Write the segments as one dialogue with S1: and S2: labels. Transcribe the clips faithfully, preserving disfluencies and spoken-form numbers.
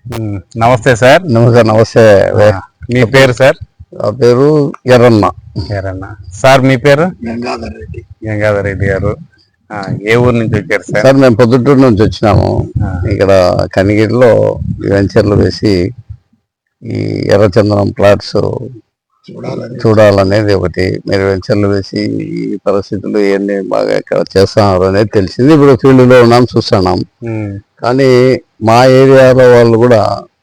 S1: నమస్తే సార్.
S2: నమస్తే నమస్తే
S1: మీ పేరు సార్?
S2: నా పేరు ఎర్రన్న.
S1: ఎర్రన్న సార్. మీ పేరు?
S2: గంగాధర్ రెడ్డి.
S1: గంగాధర్ రెడ్డి గారు ఏ ఊరు నుంచి వచ్చారు సార్?
S2: సార్ మేము పొద్దుటూరు నుంచి వచ్చినాము. ఇక్కడ కనిగిరిలో వెంచర్లు వేసి ఈ ఎర్రచందనం ప్లాట్స్ చూడాలనేది ఒకటి. మీరు వెంచర్లు వేసి ఈ పరిస్థితులు ఇవన్నీ బాగా ఇక్కడ చేస్తున్నారు అనేది తెలిసింది. ఇప్పుడు ఫీల్డ్ లో ఉన్నాం, చూస్తున్నాం. కానీ మా ఏరియాలో వాళ్ళు కూడా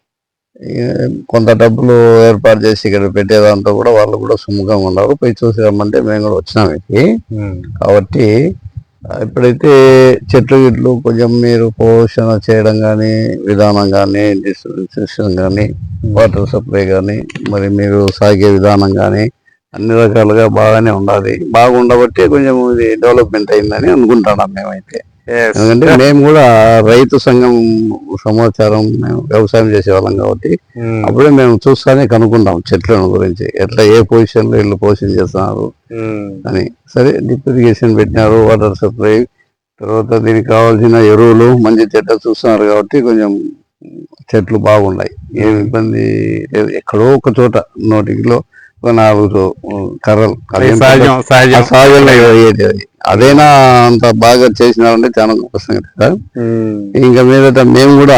S2: కొంత డబ్బులు ఏర్పాటు చేసి ఇక్కడ పెట్టేదాంతో కూడా వాళ్ళు కూడా సుముఖంగా ఉన్నారు. పోయి చూసి రమ్మంటే మేము కూడా వచ్చినాం ఇది. కాబట్టి ఇప్పుడైతే చెట్లు గిట్లు కొంచెం మీరు పోషణ చేయడం కానీ, విధానం కానీ, డిస్ట్రిబ్యూషన్ కానీ, వాటర్ సప్లై కానీ, మరి మీరు సాగే విధానం కానీ అన్ని రకాలుగా బాగానే ఉండాలి. బాగుండబట్టి కొంచెం ఇది డెవలప్మెంట్ అయిందని అనుకుంటున్నాం మేమైతే. ఎందుకంటే మేము కూడా రైతు సంఘం సమాచారం మేము వ్యవసాయం చేసేవాళ్ళం కాబట్టి అప్పుడే మేము చూస్తానే కనుక్కుంటాం చెట్లను గురించి, ఎట్లా ఏ పొజిషన్ లో వీళ్ళు పోషణ చేస్తున్నారు అని. సరే డ్రిప్ ఇరిగేషన్ పెట్టినారు, వాటర్ సప్లై, తర్వాత దీనికి కావాల్సిన ఎరువులు మంచి చెట్ల చూస్తున్నారు కాబట్టి కొంచెం చెట్లు బాగున్నాయి. ఏమి ఇబ్బంది లేదు. ఎక్కడో ఒక చోట నోటికిలో ఒక నాలుగు కర్రలు సహజంగా అయ్యేది. అదేనా అంత బాగా చేసినారంటే చాలా గొప్ప సంగతి సార్. ఇంకా మీదట మేము కూడా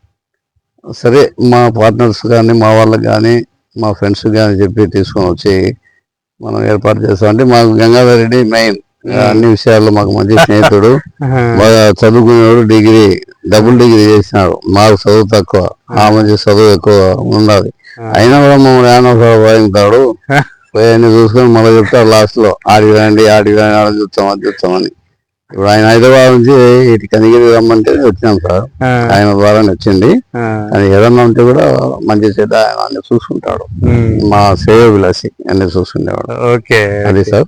S2: సరే మా పార్ట్నర్స్ కానీ, మా వాళ్ళకి కానీ, మా ఫ్రెండ్స్ కానీ చెప్పి తీసుకొని వచ్చి మనం ఏర్పాటు చేస్తాం. అంటే మాకు గంగాధర్ రెడ్డి మెయిన్ అన్ని విషయాల్లో మాకు మంచి స్నేహితుడు, బాగా చదువుకునేవాడు, డిగ్రీ డబుల్ డిగ్రీ చేసినాడు. మాకు చదువు తక్కువ, ఆ మంచి చదువు ఎక్కువ ఉండాలి. అయినా కూడా మమ్మల్ని ఏమో వాయించాడు. పోయి చూసుకొని మళ్ళీ చెప్తారు లాస్ట్ లో, ఆడికి రండి ఆడికి రండి ఆడ చూస్తాం అది చూస్తామని. ఇప్పుడు ఆయన హైదరాబాద్ నుంచి ఇటు కనిగిరి రమ్మంటే వచ్చినాం సార్. ఆయన ద్వారానే వచ్చింది. కానీ ఏదన్నా ఉంటే కూడా మంచి చెడ్డ ఆయన అన్ని చూసుకుంటాడు. మా శ్రేయోభిలాషి అన్ని చూసుకునేవాడు.
S1: ఓకే
S2: అది సార్.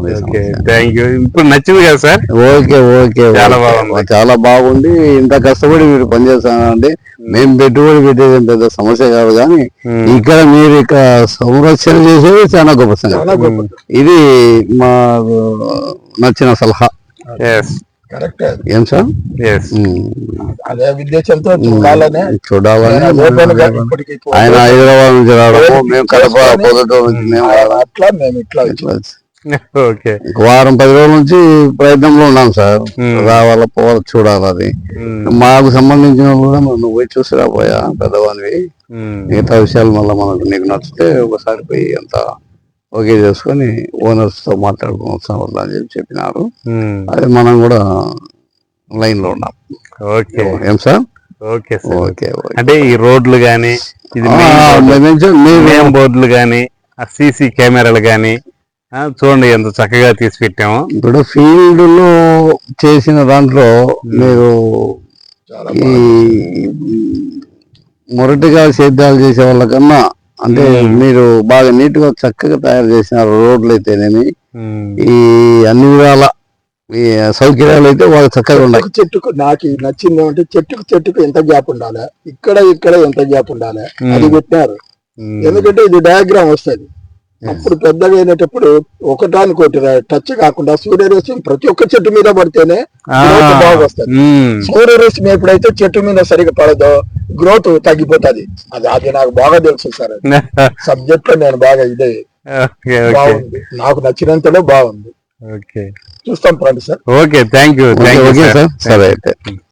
S1: ఇప్పుడు నచ్చింది కదా సార్?
S2: ఓకే ఓకే చాలా బాగుంది. ఇంత కష్టపడి మీరు పనిచేస్తానండి. మేము పెట్టుబడి పెట్టేది పెద్ద సమస్య కాదు, కానీ ఇక్కడ మీరు ఇక్కడ సంరక్షణ చేసేది చాలా గొప్ప సంగతి. ఇది మా నచ్చిన సలహా. ఏం సార్?
S3: అదే ఉద్దేశంతో చూడాలని
S2: ఆయన హైదరాబాద్ నుంచి రావడము, మేము కడప పొద్దుటూరు నుంచి మేము
S3: అట్లా మేము ఇట్లా
S2: వారం పది రోజుల నుంచి ప్రయత్నంలో ఉన్నాం సార్. రావాలా పోవాలా చూడాలి. అది మాకు సంబంధించిన కూడా మనం పోయి చూసి రాబోయా పెద్దవానివి. మిగతా విషయాలు మళ్ళీ మనకు నీకు నచ్చితే ఒకసారి పోయి అంత ఓకే చేసుకొని ఓనర్స్ తో మాట్లాడుకుని అని చెప్పి చెప్పినారు. అది మనం కూడా లైన్ లో ఉన్నాం.
S1: ఓకే
S2: ఏం సార్?
S1: Okay okay. అంటే ఈ రోడ్లు గానీ, బోర్డులు గానీ, సీసీ కెమెరాలు గానీ చూడండి ఎంత చక్కగా తీసి పెట్టాము.
S2: ఇప్పుడు ఫీల్డ్ లో చేసిన దాంట్లో మీరు ఈ మొరటిగా సేద్యాలు చేసే వాళ్ళకన్నా అంటే మీరు బాగా నీట్ గా చక్కగా తయారు చేసినారు. రోడ్లు అయితేనేమి, ఈ అన్ని విధాల ఈ సౌకర్యాలు అయితే బాగా చక్కగా ఉన్నాయి.
S3: చెట్టుకు నాకు నచ్చింది ఏమంటే చెట్టుకు చెట్టుకు ఎంత గ్యాప్ ఉండాలి, ఇక్కడ ఇక్కడ ఎంత గ్యాప్ ఉండాలి అది పెట్టినారు. ఎందుకంటే ఇది డయాగ్రామ్ వస్తుంది. అప్పుడు పెద్దగా అయినప్పుడు ఒకటానికోటి టచ్ కాకుండా సూర్యరశ్మి ప్రతి ఒక్క చెట్టు మీద పడితేనే బాగా వస్తుంది. సూర్యరశ్మి ఎప్పుడైతే చెట్టు మీద సరిగా పడదో గ్రోత్ తగ్గిపోతుంది. అది అది నాకు బాగా తెలుసు సార్. సబ్జెక్ట్ లో నేను బాగా ఇదే బాగుంది, నాకు నచ్చినంతలో బాగుంది. చూస్తాం friend sir.
S1: Okay thank you.
S2: సరే అయితే.